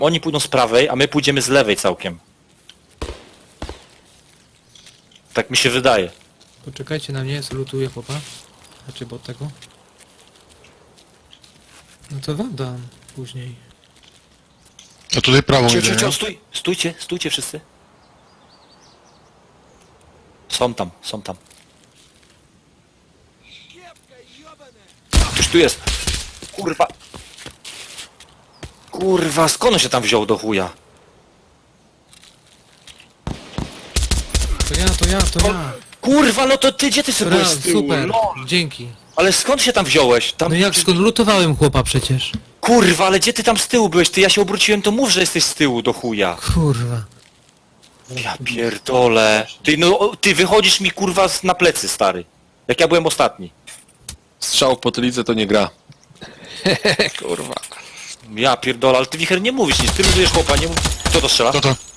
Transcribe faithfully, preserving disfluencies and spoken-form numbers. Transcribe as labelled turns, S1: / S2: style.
S1: Oni pójdą z prawej, a my pójdziemy z lewej całkiem. Tak mi się wydaje.
S2: Poczekajcie na mnie, zlutuję chłopa. Znaczy, bo od tego. No to wam dam później.
S3: A tutaj prawą
S1: Cio,
S3: idę,
S1: cio, cio,
S3: nie?
S1: stój, stójcie, stójcie wszyscy. Są tam, są tam. Ktoś tu jest. Kurwa. Kurwa, skąd on się tam wziął do chuja?
S2: To ja, to ja, to ja.
S1: Kurwa, no to ty, gdzie ty sobie
S2: Bra,
S1: byłeś z tyłu?
S2: super,
S1: No,
S2: dzięki.
S1: ale skąd się tam wziąłeś? Tam...
S2: No jak, skąd lutowałem chłopa przecież?
S1: Kurwa, ale gdzie ty tam z tyłu byłeś? Ty, ja się obróciłem, to mów, że jesteś z tyłu do chuja.
S2: Kurwa.
S1: Ja pierdolę. Ty, no, ty wychodzisz mi kurwa z- na plecy, stary. Jak ja byłem ostatni.
S4: Strzał w potylicę to nie gra. Kurwa.
S1: Ja pierdolę, ale ty wicher nie mówisz nic, ty luzujesz chłopa, nie mów... Kto to strzela?
S3: To to.